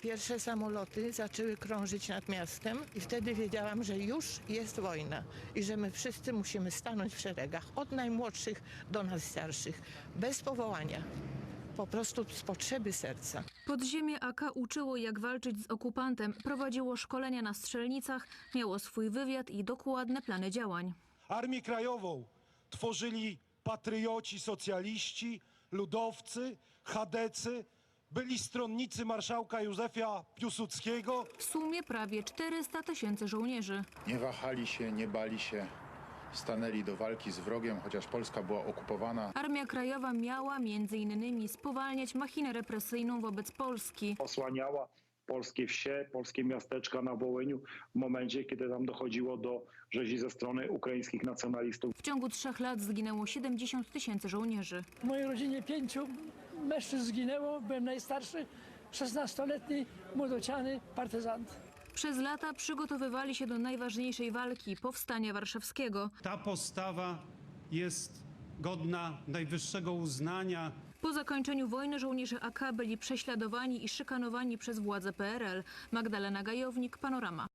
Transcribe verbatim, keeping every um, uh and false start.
Pierwsze samoloty zaczęły krążyć nad miastem i wtedy wiedziałam, że już jest wojna i że my wszyscy musimy stanąć w szeregach, od najmłodszych do nas starszych, bez powołania. Po prostu z potrzeby serca. Podziemie A K uczyło, jak walczyć z okupantem, prowadziło szkolenia na strzelnicach, miało swój wywiad i dokładne plany działań. Armię Krajową tworzyli patrioci, socjaliści, ludowcy, chadecy, byli stronnicy marszałka Józefa Piłsudskiego. W sumie prawie czterysta tysięcy żołnierzy. Nie wahali się, nie bali się, stanęli do walki z wrogiem, chociaż Polska była okupowana. Armia Krajowa miała między innymi spowalniać machinę represyjną wobec Polski. Osłaniała polskie wsie, polskie miasteczka na Wołyniu w momencie, kiedy tam dochodziło do rzezi ze strony ukraińskich nacjonalistów. W ciągu trzech lat zginęło siedemdziesiąt tysięcy żołnierzy. W mojej rodzinie pięciu mężczyzn zginęło, byłem najstarszy, szesnastoletni młodociany partyzant. Przez lata przygotowywali się do najważniejszej walki, powstania warszawskiego. Ta postawa jest godna najwyższego uznania. Po zakończeniu wojny żołnierze A K byli prześladowani i szykanowani przez władze P R L. Magdalena Gajownik, Panorama.